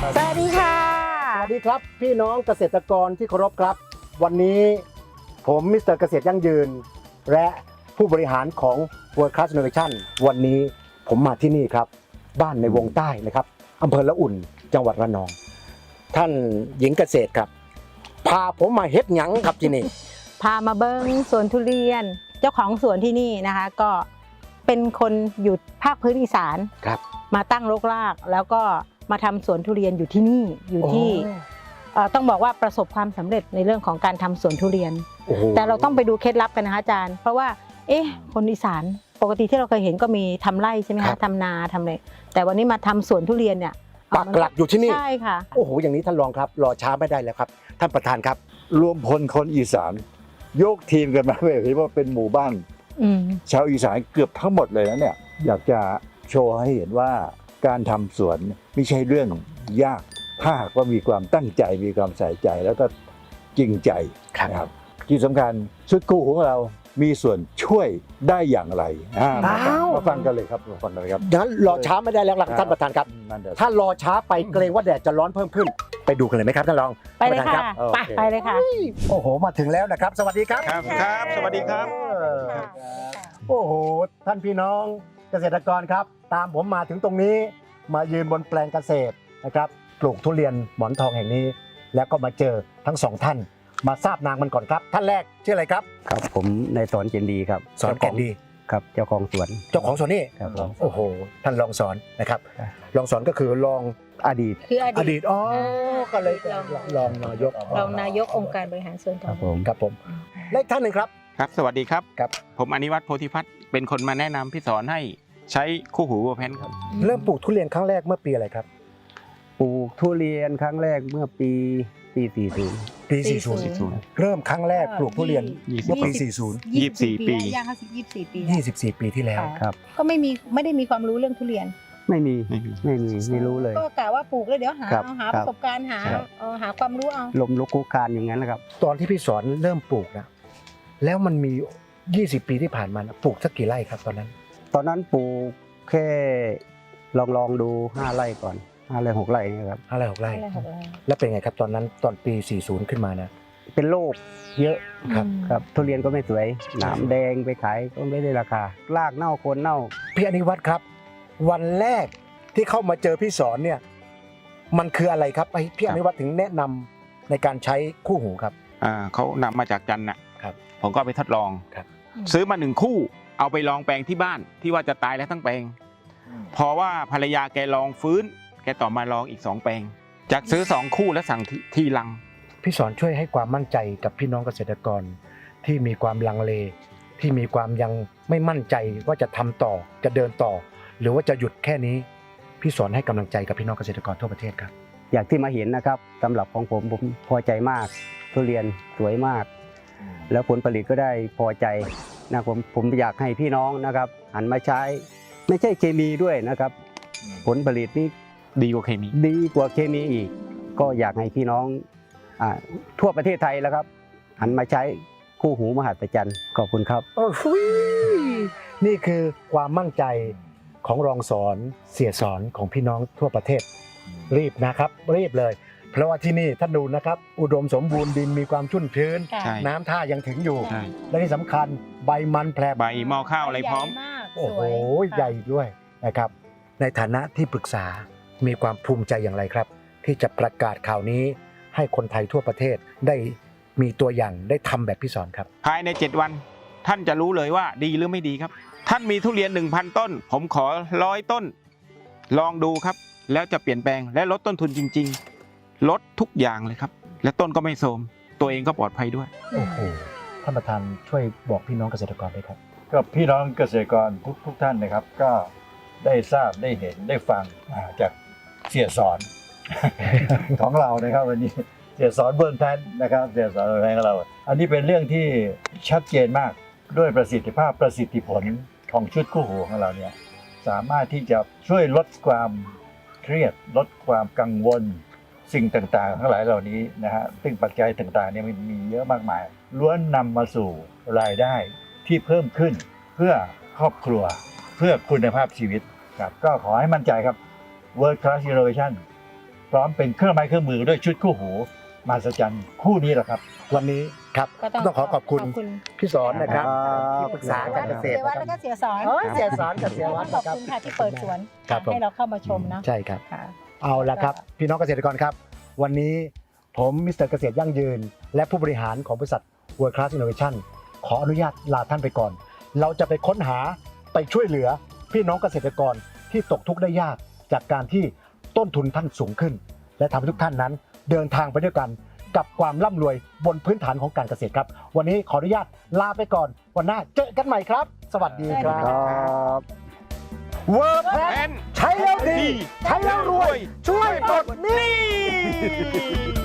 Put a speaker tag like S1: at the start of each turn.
S1: สวัสดีค่ะ
S2: สวัสดีครับพี่น้องเกษตรกรที่เคารพครับวันนี้ผมมิสเตอร์เกษตรยั่งยืนและผู้บริหารของ World Class Innovation วันนี้ผมมาที่นี่ครับบ้านในวงใต้นะครับอำเภอละอุ่นจังหวัดระนองท่านหญิงเกษตรครับพาผมมาเฮ็ดหยังครับที่นี่
S1: พามาเบิ้งสวนทุเรียนเจ้าของสวนที่นี่นะคะก็เป็นคนอยู่ภาคพื้นอีสาน
S2: ครับ
S1: มาตั้งรกรากแล้วก็มาทำสวนทุเรียนอยู่ที่นี่อยู่ที่ต้องบอกว่าประสบความสำเร็จในเรื่องของการทำสวนทุเรียน
S2: โอ้โห
S1: แต่เราต้องไปดูเคล็ดลับกันนะคะอาจารย์เพราะว่าคนอีสานปกติที่เราเคยเห็นก็มีทำไร่ใช่ไหมคะทำนาทำอะไรแต่วันนี้มาทำสวนทุเรียนเนี่ย
S2: ปักหลักอยู่ที่นี่
S1: ใช่ค่ะ
S2: โอ้โหอย่างนี้ท่านรองครับรอช้าไม่ได้แล้วครับท่านประธานครับ
S3: รวมพลคนอีสานยกทีมกันมาแบบนี้ว่าเป็นหมู่บ้าน ชาวอีสานเกือบทั้งหมดเลยนะเนี่ยอยากจะโชว์ให้เห็นว่าการทำสวนไม่ใช่เรื่องยากถ้าหากว่ามีความตั้งใจมีความใส่ใจแล้วก็จริงใจนะครับที่สำคัญชุดกู้ของเรามีส่วนช่วยได้อย่างไรมาฟังกันเลยครับมาฟังกันเลยครับ
S2: งั้นรอช้าไม่ได้แล้วล่ะท่านประธานครับ
S3: นั่นเดี๋ยว
S2: ถ้ารอช้าไปเกรงว่าแดดจะร้อนเพิ่มขึ้น ไปดูกันเลยไหมครับท่านรอง
S1: ไปเลยค่ะ
S2: ท่านประธานรับ
S1: ไปเลยค่ะ
S2: โอ้โหมาถึงแล้วนะครับ สวัสดีครับ
S4: ครับสวัสดีครับ
S2: โอ้โหท่านพี่น้องเกษตรกรครับ ตามผมมาถึงตรงนี้มายืนบนแปลงเกษตรนะครับปลูกทุเรียนหมอนทองแห่งนี้ แล้วก็มาเจอทั้งสองท่าน มาทราบนางมันก่อนครับ ท่านแรกชื่ออะไรครับ
S5: ครับผมนายสอนเจนดีครับ
S2: สอนแก่นดี
S5: ครับเจ้าของสวน
S2: เจ้าของสวนนี่
S5: ครับผม
S2: โอ้โหท่านรองสอนนะครับรองสอนก็คือรอง
S5: อดีต
S1: คืออ
S2: อ
S1: ดี
S2: ดี
S1: ต
S2: ตอ๋อก็เลยรองนายก
S1: รองนายกองค์การบริหารส่วน
S5: ค
S1: ท้อ
S5: รั
S1: ง
S5: บผม
S2: ครับผมและอีกท่านหนึ่งครับ
S4: ครับสวัสดีครับ
S2: ครับ
S4: ผมอนิวัฒน์โพธิพัฒน์เป็นคนมาแนะนำพี่สอนให้ใช้คู่หูวัวแพนครับ
S2: เริ่มปลูกทุเรียนครั้งแรกเมื่อปีอะไรครับ
S5: ปลูกทุเรียนครั้งแรกเมื่อปี 40
S2: ปี 40 เริ่มครั้งแรกปลูกทุเรียนเมื่อปี
S4: 24 ปี
S1: ย่างเข้า24 ปี
S2: 40 24 ปีที่แล้ว
S5: ครับ
S1: ก็ไม่ได้มีความรู้เรื่องทุเรียน
S5: ไม่มี
S4: ไม่มี
S5: ไม่รู้เลย
S1: ก็กะว่าปลูกแล้วเดี๋ยวหา
S5: ครับ
S1: เอาหา
S5: ค
S1: ป
S5: รับ
S1: ระสบการณ์หา
S5: ครับ
S1: หาความรู้เอา
S5: ลมลุกคุกคานอย่างนั้นนะครับ
S2: ตอนที่พี่สอนเริ่มปลูกนะแล้วมันมี 20 ปีที่ผ่านมานะปลูกสักกี่ไร่ครับตอนนั้น
S5: ตอนนั้นปลูกแค่ลองดู5 ไร่ก่อน5 ไร่ 6 ไร่เนะครับ
S2: 5 ไร่ 6 ไร่
S1: อะไรของเรา
S2: แล้วเป็นไงครับตอนนั้นตอนปี 40 ขึ้นมานะ
S5: เป็นโรคเยอะ
S2: ครับ
S5: ครับทุเรียนก็ไม่สวยหนามแดงไปขายก็ไม่ได้ราคารากเน่าโคนเน่า
S2: พี่อนิวัฒน์ครับ วันแรกที่เข้ามาเจอพี่สอนเนี่ยมันคืออะไรครับไอ้พี่อนิวัฒน์ถึงแนะนำในการใช้คู่หูครับ
S4: เขานำมาจากจันทร์นะครับ ผมก็เอาไปทดลอง
S2: ครับ
S4: ซื้อมา1 คู่เอาไปลองแปลงที่บ้านที่ว่าจะตายแล้วทั้งแปลงพอว่าภรรยาแกลองฟื้นแกต่อมาลองอีก2 แปลง จากซื้อ2 คู่แล้วสั่งทีลัง
S2: พี่สอนช่วยให้ความมั่นใจกับพี่น้องเกษตรกรที่มีความลังเล ที่มีความยังไม่มั่นใจว่าจะทำต่อจะเดินต่อ หรือว่าจะหยุดแค่นี้ พี่สอนให้กำลังใจกับพี่น้องเกษตรกรทั่วประเทศครับ
S5: อย่างที่มาเห็นนะครับสำหรับของผมพอใจมากทุเรียนสวยมาก แล้วผลผลิตก็ได้พอใจนะผมอยากให้พี่น้องนะครับหันมาใช้ไม่ใช่เคมีด้วยนะครับ ผลผลิตนี่
S4: ดีกว่าเคมี
S5: ดีกว่าเคมีอีก ก็อยากให้พี่น้องทั่วประเทศไทยแล้วครับ หันมาใช้คู่หูมหัศจรรย์ขอบคุณครับ
S2: โอ้โหนี่คือความมั่นใจของรองสอนเสียสอนของพี่น้องทั่วประเทศ รีบนะครับรีบเลย เพราะว่าที่นี่ท่านดูนะครับ อุดมสมบูรณ์ดินมีความชุ่มชื้น
S4: ใช่
S2: น้ำท่ายังถึงอยู่
S4: ใช่
S2: และที่สำคัญใบมันแผลบ
S4: ใบหม้อข้าวอะไรพร้อม
S1: ใหญ่มาก
S2: โอ้โห
S1: สวย
S2: ใหญ่ด้วยนะครับ ในฐานะที่ปรึกษามีความภูมิใจอย่างไรครับ ที่จะประกาศข่าวนี้ให้คนไทยทั่วประเทศได้มีตัวอย่างได้ทำแบบพี่สอนครับ
S4: ภายใน7 วัน ท่านจะรู้เลยว่าดีหรือไม่ดีครับ ท่านมีทุเรียน 1,000 ต้น ผมขอ100 ต้น ลองดูครับ แล้วจะเปลี่ยนแปลงและลดต้นทุนจริง ๆ ลดทุกอย่างเลยครับ และต้นก็ไม่โทรมตัวเองก็ปลอดภัยด้วย
S2: โอ้โหท่านประธานช่วยบอกพี่น้องเกษตรกรด้วยครับ
S3: ก็พี่น้องเกษตรกรทุกท่านนะครับ ก็ได้ทราบได้เห็นได้ฟังจากเสียสอน ของเรานะครับวันนี้เสียสอนเบิร์นแพนนะครับเสียสอนเบิร์นแพนของเรา อันนี้เป็นเรื่องที่ชัดเจนมากด้วยประสิทธิภาพประสิทธิผลของชุดคู่หูของเราเนี่ยสามารถที่จะช่วยลดความเครียดลดความกังวลสิ่งต่างๆทั้งหลายเหล่านี้นะฮะซึ่งปัจจัยต่างๆเนี่ยมันมีเยอะมากมายล้วนนำมาสู่รายได้ที่เพิ่มขึ้นเพื่อครอบครัวเพื่อคุณภาพชีวิตครับก็ขอให้มั่นใจครับ World Class Innovation พร้อมเป็นเครื่องไม้เครื่องมือด้วยชุดคู่หูมหัศจรรย์คู่นี้แหละครับ
S2: วันนี้ครับ
S1: ก็
S2: ต้องขอขอบคุณพี่สอนนะครับ
S5: ครับ
S2: ที่ปรึกษาการเกษตร
S1: เสียวัด
S2: นะ
S1: แล้ว
S2: ค
S1: ก็
S2: รับ
S1: เสียสอน
S2: เอ้ยเสียสอนกับเสียวัด
S1: ขอบ
S2: นะครับ
S1: คุณค่ะที่เปิดสวน
S2: ครับผม
S1: ให้เราเข้ามาชมนะ
S2: ใช่ครับ
S1: ค่ะ
S2: เอาละครับ พี่น้องเกษตรกรครับ วันนี้ผมมิสเตอร์เกษตรยั่งยืน และผู้บริหารของบริษัท World Class Innovation ขออนุญาตลาท่านไปก่อน เราจะไปค้นหาไปช่วยเหลือพี่น้องเกษตรกรที่ตกทุกข์ได้ยากจากการที่ต้นทุนท่านสูงขึ้น และทำให้ทุกท่านนั้นเดินทางไปด้วยกันกับความร่ำรวยบนพื้นฐานของการเกษตรครับ วันนี้ขออนุญาตลาไปก่อน วันหน้าเจอกันใหม่ครับ สวัสดีครั
S5: ครับ บ
S2: World
S4: แพ
S2: Class
S4: น
S2: ใช้แล้วดี ใช้แล้วรวย ช่วยปลดหนี้
S4: นี่